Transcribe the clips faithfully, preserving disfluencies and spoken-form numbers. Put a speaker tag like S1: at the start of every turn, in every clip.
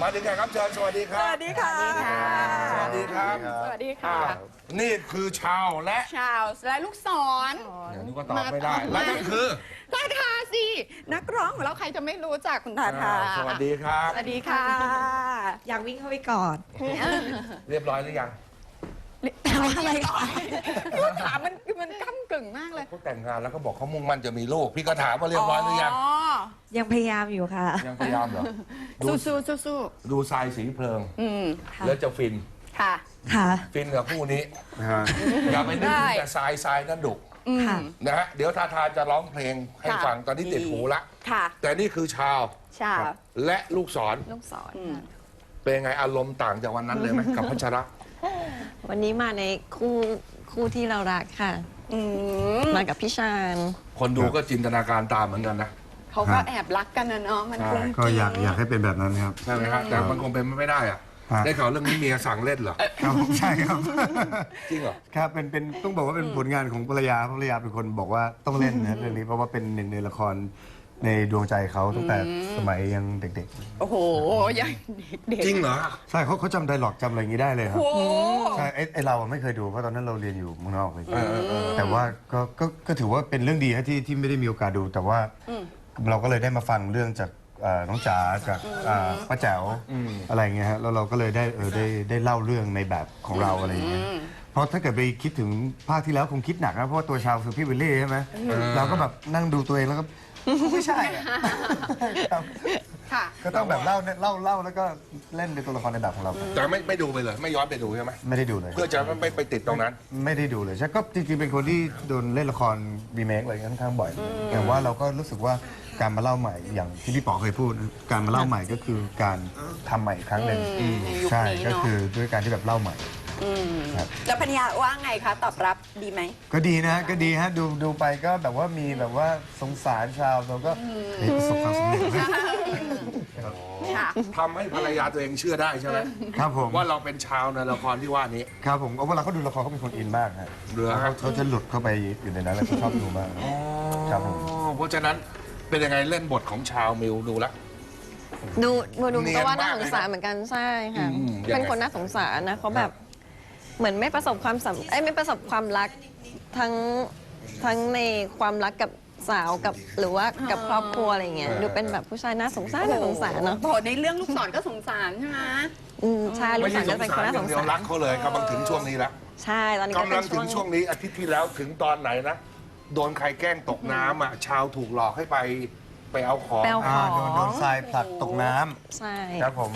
S1: มาถึงแขกรับเชิญสวัสดีครับ
S2: สวัสดีค่ะ
S1: สวัสดีครับ
S2: สวัสดีค่ะ
S1: นี่คือชาวและ
S2: ชาวและลูกศร
S1: เดี๋ยวนี้ก็ตอบไม่ได้ และนั่นคือ
S2: ทาทาสินักร้องของเราใครจะไม่รู้จักคุณทาทา
S1: สวัสดีครับ
S2: สวัสดีค่ะ
S3: อยากวิ่งเข้าไปกอด
S1: เรียบร้อยหรือยัง
S3: อะไรคะ
S2: พี่ว่าถามมันมันก้ำกึ่งมากเลย
S1: เขาแต่งงานแล้วก็บอกเขามุ่งมั่นจะมีลูกพี่ก็ถามว่าเรียบร้อยหรือยัง
S3: ยังพยายามอยู่ค่ะ
S1: ยังพยายามเหรอดู
S2: สู้สู้สู้สู้
S1: ดูทรายสีเพลิง
S2: อืม
S1: แล้วจะฟิน
S2: ค่ะ
S3: ค่ะ
S1: ฟินกับคู่นี้อย่าไปนึกถึงแต่ทรายทรายนั่นดุ
S3: ค่ะ
S1: นะฮะเดี๋ยวทาทาจะร้องเพลงให้
S2: ค่ะ
S1: ฟังตอนนี้ติดหูละ
S2: ค่ะ
S1: แต่นี่คือชาว
S2: ชาว
S1: และลูกศร
S3: ลูกศร
S2: อืม
S1: เป็นไงอารมณ์ต่างจากวันนั้นเลยไหมกับพัชระ
S3: วันนี้มาในคู่คู่ที่เรารักค่ะ
S2: อืม
S3: มากับพี่ชาญ
S1: คนดูก็จินตนาการตามเหมือนกันนะ
S2: เขาก็แอบรักกันนะเนาะมันคง
S4: ก็อยากอยากให้เป็นแบบนั้นครับ
S1: ใช่ไหมฮะแต่มันคงเป็นไม่ได้อะ
S4: ฮะ
S1: ได้ข่าวเรื่องนี้เมียสั่งเล่นเหรอ
S4: ครับใช่ครับ
S1: จริงเหรอ
S4: ครับเป็นเป็นต้องบอกว่าเป็นผลงานของภรรยาภรรยาเป็นคนบอกว่าต้องเล่นนะเรื่องนี้เพราะว่าเป็นหนึ่งในละครในดวงใจเขาตั้งแต่สมัยยังเด็ก
S2: โอ้โหยังเด็ก
S1: จริงเหรอ
S4: ๆ ใช่เขาเขาจำไดร็อกจำอะไรอย่างนี้ได้เลยครับ
S2: โอ้โห
S4: ใช่ไอ้ไอเราอะไม่เคยดูเพราะตอนนั้นเราเรียนอยู่เมืองนอกเลย
S1: เออเออเออ
S4: แต่ว่าก็ก็ก็ถือว่าเป็นเรื่องดีฮะที่ที่ไม่ได้มีโอกาสดู แต่ว่าเราก็เลยได้มาฟังเรื่องจากเอ่อน้องจ๋าจากเอ่อป้าแจ๋วอะไรอย่างเงี้ยฮะแล้วเราก็เลยได้เออได้ได้เล่าเรื่องในแบบของเราอะไรอย่างเงี้ยเพราะถ้าเกิดไปคิดถึงภาคที่แล้วคงคิดหนักนะเพราะว่าตัวชาวคือพี่วิลลี่ใช่ไหมเราก็แบบนั่งดูตัวเองแล้วก็ไม่ใช่อะครับ
S2: ค่ะ
S4: ก็ต้องแบบเล่าเนี่ยเล่าเล่าแล้วก็เล่นเป็นตัวละครในแบบของเรา
S1: แต่ไม่ไม่ดูไปเลย ไม่ย้อนไปดูใช่ไหม
S4: ไม่ได้ดูเลย
S1: เพื่อจะไม่ไม่ไปติดตรงนั้น
S4: ไม่ได้ดูเลยใช่ก็จริงๆเป็นคนที่โดนเล่นละครรีเมคอะไรค่อนข้างบ่อยแต่ว่าเราก็รู้สึกว่าการมาเล่าใหม่อย่างที่พี่ป๋อเคยพูด การมาเล่าใหม่ก็คือการทำใหม่อีกครั้งหนึ่ง
S2: อืมในยุค
S4: ใช่
S2: นี้เนอะ
S4: ก็คือด้วยการที่แบบเล่าใหม่
S2: อืม
S4: ครับ
S2: แล้วพัญญาว่าไงคะ ตอบรับดีไหม
S4: ก็ดีนะก็ดีฮะดูดูไปก็แบบว่ามีแบบว่าสงสารชาวเราก็เฮ้ยประสบความสำเร็จนะ
S2: ค่ะ
S1: ทำให้ภรรยาตัวเองเชื่อได้ใช่ไหม
S4: ครับผม
S1: ว่าเราเป็นชาวในละครที่ว่านี้
S4: ครับผมเอาเวลาเขาดูละครเขาเป็นคนอินมากฮะ
S1: เหลือ
S4: เขาเขาจะหลุดเข้าไปอยู่ในนั้นแล้วเขาชอบดูมาก ครับผม
S1: อ๋อเพราะฉะนั้นเป็นยังไงเล่นบทของชาวมิวดูละ
S3: ดูดูดู
S1: เนียน
S3: ก็ว่า
S1: มา
S3: น่าก สงสารเหมือนกันใช่ค่ะ
S1: อืมยังไง
S3: เป็นคนน่าสงสารนะเขาแบบเหมือนไม่ประสบความสำเอ้ยไม่ประสบความรักทั้งทั้งในความรักกับสาวกับหรือว่ากับครอบครัวอะไรเงี้ยดูเป็นแบบผู้ชายน่าสงสารน่าสงสารเนาะ
S2: โอ้โหในเรื่องลูกศรก็สงสารใช่ไหม
S3: อืมใช่ลู
S1: ไม่
S3: ก
S1: ใช่
S3: สาว
S1: ส
S3: จะ
S1: ง
S3: เป็นค
S1: สาร
S3: นน่า
S1: อ
S3: ส
S1: ย่าง
S3: ง
S1: เดียว
S3: สาร
S1: รักเขาเลยกำลังถึงช่วงนี้แล้ว
S3: ใช่ตอนนี้ก็
S1: กำ
S3: เป็
S1: ลั
S3: น
S1: ง
S3: ช่
S1: ถึ
S3: ว
S1: ง
S3: ง
S1: ช่วงนี้อาทิตย์ที่แล้วถึงตอนไหนนะโดนใครแกล้งตกน้ำอ่ะชาวถูกหลอกให้ไปไปเอาของ
S3: แปลวข
S4: อ่า
S3: อง
S4: โดนโดนทรายผลักตกน้ำ
S3: ใช่
S4: ครับผม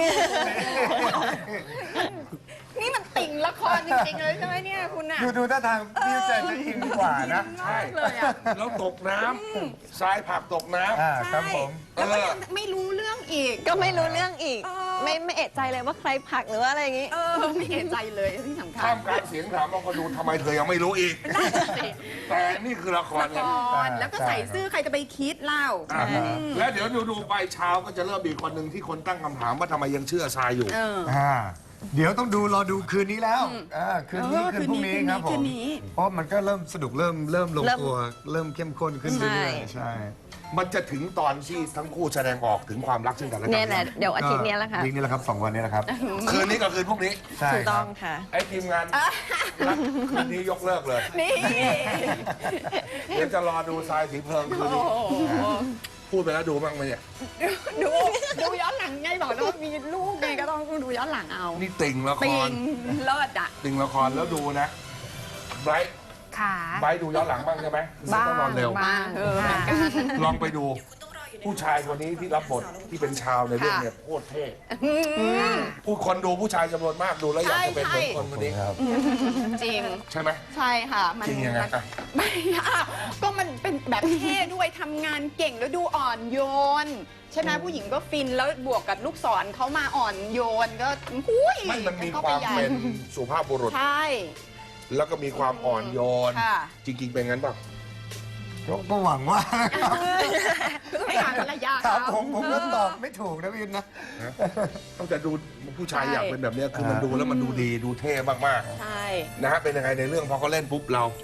S2: นี่มันติ่งละครจริงๆเลยใช่ไหมเนี่ยคุณอ่ะ
S4: ดูดูท่าทางพี่เจนจะอินกว่านะ
S1: ใช่
S2: เลยอ่ะ
S1: แล้วตกน้ำทรายผักตกน้ำ
S4: อ่าครับผม
S2: แล้วก็ยังไม่รู้เรื่องอีก
S3: ก็ไม่รู้เรื่องอีก
S2: เออ
S3: ไม่ไม่เอะใจเลยว่าใครผลักหรือว่าอะไรอย่างงี้
S2: เออไม่เอะใจเลยที่สำคัญ
S1: ท่ามกลางเสียงถามบางคนดูทำไมเธอยังไม่รู้อีก
S2: นั่นสิ
S1: แต่นี่คือละคร
S2: ละ
S1: ไง
S2: ครแล้วก็ใส่ซื่อใครจะไปคิดเล่า
S1: อ่าแล้วเดี๋ยวดูดูๆไปเช้าก็จะเริ่มมีคนหนึ่งที่คนตั้งคำถามว่าทำไมยังเชื่อทรายอยู่
S2: เออ
S4: อ่าเดี๋ยวต้องดูรอดูคืนนี้แล้วอ่าคืนนี้
S2: เออ
S4: คืนพรุ่งนี้
S2: คืนนี้
S4: ครับผ
S2: คื
S4: ม
S2: นนี้
S4: เพราะมันก็เริ่มสนุกเริ่มเริ่มลง
S3: เริ่ม
S4: ตัวเริ่มเข้มข้นขึ้นเรื่อยๆ
S3: ใช่
S4: ใช่
S1: มันจะถึงตอนที่ทั้งคู่แสดงออกถึงความรักซึ่งกันและกั
S3: เนี่ยแหละเดี๋ยวอาทิตย์เนี้ยแหละค่ะ
S4: วีคนี้แหละครับสองวันนี้แหละครับ
S1: คืนนี้กับคืนพรุ่งนี้
S4: ใช่
S3: ถูก
S4: ค
S3: ต้
S4: รั
S3: อบ งค่ะ
S1: ไอ้ทีมงานรักคืนนี้ยกเลิกเลย
S2: นี่
S1: เดี๋ยวจะรอดูทรายสีเพลิงคืนนี้
S2: โอ้โห
S1: พูดไปแล้วดูบ้างไหมเนี่ย
S2: ดูดูย้อนหลังไงบอกแล้วว่ามีลูกไงก็ต้องดูย้อนหลังเอา
S1: นี่ติ่งละค
S2: ปิ
S1: รง
S2: เลิศอ่ะ
S1: ติ่งละครแล้วดูนะไบรท์
S5: ค่ะ
S1: ไบรท์ดูย้อนหลังบ้างใช่ไหม
S5: บ้าง
S1: ต้องนอนเร็ว
S5: บ้าง
S2: เออ
S5: ค่ะ
S1: ลองไปดู ผู้ชายคนนี้ที่รับบทที่เป็นชาวในเรื่องเนี่ยโคตรเท่ผู้คนดูผู้ชายจำนวนมากดูแล้วอยากจะเป็นเหมือนคนคนนี้
S4: ครับ
S2: จริง
S1: ใช่ไหม
S2: ใช่ค่ะ มัน
S1: จริงยังไงอ่ะ
S2: ไม่อะก็มันเป็นแบบเท่ด้วยทำงานเก่งแล้วดูอ่อนโยน ใช่ไหมผู้หญิงก็ฟินแล้วบวกกับลูกศรเขามาอ่อนโยนก็หุ้ย
S1: ไม่มันมี
S2: ข้
S1: ความ
S2: ไปใหญ่
S1: เป็นสุภาพบุรุษ
S2: ใช่
S1: แล้วก็มีความอ่อนโยน
S2: ค่ะ
S1: จริง ๆ เป็นงั้นป่ะ
S4: ก็หวังว่านะครับ
S2: คือให้ถามภรรยา
S4: ครับ
S2: เขา
S4: ผมผมก็ตอบไม่ถูกนะพี่นะ
S1: ต้องจะดูผู้ชาย
S2: ใช่
S1: อยากเป็นแบบเนี้ยคือมันดูแล้วมันดูดีดูเท่มาก
S2: ใช่
S1: ๆนะฮะเป็นยังไงในเรื่องพอเขาเล่นปุ๊บเรา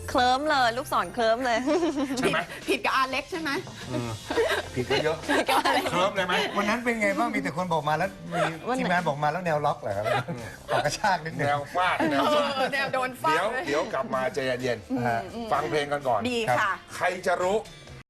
S3: เคลิ้มเลยลูกศรเคลิ้มเลย
S1: ใช่ไหม
S2: ผิดกับอาเล็กใช่ไหม
S1: ผิดก็เยอะเคลิ้มเลยไหม
S4: วันนั้นเป็นไงบ้างมีแต่คนบอกมาแล้วมี
S3: วันไหน
S4: ทีมงานบอกมาแล้วแนวล็อกเหรอครับขอกระชากนิดนึ
S1: แน
S4: ง
S1: วฟาดแนว
S2: เอ
S1: ฟาด
S2: อแนวโดนฟาด
S1: เดี๋ยว
S2: เลย
S1: เดี๋ยวกลับมาใจเย็นๆฟังเพลงกันก่อน
S2: ดี
S4: ครับ
S2: ค่ะ
S1: ใครจะรู้